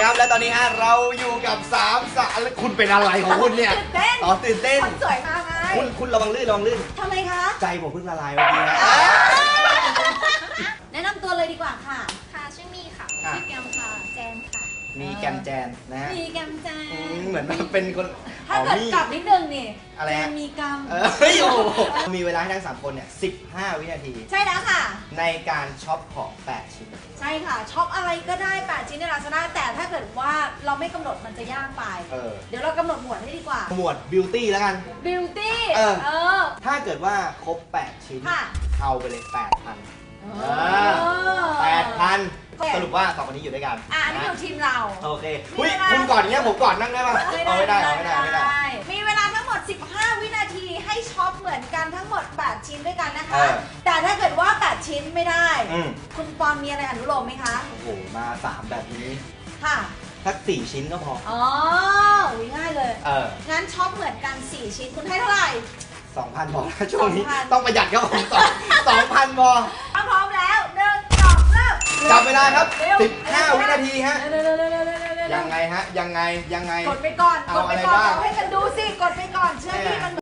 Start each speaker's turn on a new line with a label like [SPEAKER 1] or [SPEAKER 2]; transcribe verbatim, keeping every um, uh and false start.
[SPEAKER 1] ครับและตอนนี้ฮะเราอยู่กับสามสาวคุณเป็นอะไรของคุณเนี่ย
[SPEAKER 2] ตื่นเต้น
[SPEAKER 1] อ๋อตื่นเต้น
[SPEAKER 2] คนสวยมากไง
[SPEAKER 1] คุณคุณระวังลื่นระวังลื่น
[SPEAKER 2] ทำไมคะ
[SPEAKER 1] ใจผมเพิ่งละลายเมื่อกี้นะ
[SPEAKER 2] แนะนำตัวเลยดีกว่าค่ะ
[SPEAKER 3] ค่ะชื่อมีค่ะ
[SPEAKER 1] อ่ะ
[SPEAKER 3] ชื่อแกมค่ะแจนค่ะ
[SPEAKER 1] มีแกมแจนนะฮะ
[SPEAKER 2] มีแกมแจ
[SPEAKER 1] อื
[SPEAKER 2] น
[SPEAKER 1] มเหมือนเป็นคน
[SPEAKER 2] ถ้าเกิด
[SPEAKER 1] มี
[SPEAKER 2] กลับนิดนึงนี่
[SPEAKER 1] อะไร
[SPEAKER 2] แจ
[SPEAKER 1] ฮะ
[SPEAKER 2] นมีกรรม
[SPEAKER 1] เออเฮ้ยโอ้โหมีเวลาให้ทั้งสามคนเนี่ยสิบห้าวินาที
[SPEAKER 2] ใช่แล้วค่ะ
[SPEAKER 1] ในการช็อปของแปดชิ้น
[SPEAKER 2] ใช่ค่ะช็อปอะไรก็ได้แปดชิ้นในลาซาด้าแต่ถ้าเกิดว่าเราไม่กำหนดมันจะยากไป
[SPEAKER 1] เออ
[SPEAKER 2] เดี๋ยวเรากำหนดหมวดให้ดีกว่า
[SPEAKER 1] หมวดบิวตี้แล้วกัน
[SPEAKER 2] beauty
[SPEAKER 1] เออ
[SPEAKER 2] เออ
[SPEAKER 1] ถ้าเกิดว่าครบแปดชิ้น
[SPEAKER 2] ค่ะ
[SPEAKER 1] เอาไปเลยแปดพัน
[SPEAKER 2] เอ
[SPEAKER 1] แปดพัน
[SPEAKER 2] โอเค
[SPEAKER 1] สรุปว่าสองคนนี้อยู่ด้วยกัน
[SPEAKER 2] อ่ะอันนี้คือทีมเรา
[SPEAKER 1] โอเคอุ้ยคุณก่อนอย่างเงี้ยผมก่อนนั่งได้ป่ะเอาไม่ได้เอาไม่ได้ไม่ได้
[SPEAKER 2] มีเวลาทั้งหมด สิบห้า วินาทีให้ช็อปเหมือนกันทั้งหมด แปด ชิ้นด้วยกันนะคะ
[SPEAKER 1] เออ
[SPEAKER 2] แต่ถ้าเกิดว่า แปด ชิ้นไม่ได้
[SPEAKER 1] อืม
[SPEAKER 2] คุณปอนมีอะไรอนุโลมไหมคะ
[SPEAKER 1] โอ้โหมาสามแบบนี้
[SPEAKER 2] ค่ะ
[SPEAKER 1] สักสี่ชิ้นก็พอ
[SPEAKER 2] อ๋ออุ๊ยง่ายเลย
[SPEAKER 1] เออ
[SPEAKER 2] งั้นช็อปเหมือนกัน สี่ ชิ้นคุณให้เท่าไหร่
[SPEAKER 1] สองพันพอช่วงนี้
[SPEAKER 2] สองพัน
[SPEAKER 1] ต้องประหยัดครับผมสองสองพันพอ
[SPEAKER 2] ถ้าพร้อมแล้วหนึ่งสองเริ่ม
[SPEAKER 1] จับเวลาครับ
[SPEAKER 2] เร็ว
[SPEAKER 1] สิบห้าวินาทีฮะ
[SPEAKER 2] เร็วเร็วเร็วเร็วเร็วเร็วเร็ว
[SPEAKER 1] ยังไงฮะ ยังไง ยังไง
[SPEAKER 2] กดไปก่อน
[SPEAKER 1] เอา
[SPEAKER 2] กดไป
[SPEAKER 1] อะไร
[SPEAKER 2] ก่อน
[SPEAKER 1] บ้าง
[SPEAKER 2] เอาให้กันดูสิ กดไปก่อน เชื่อพี่มัน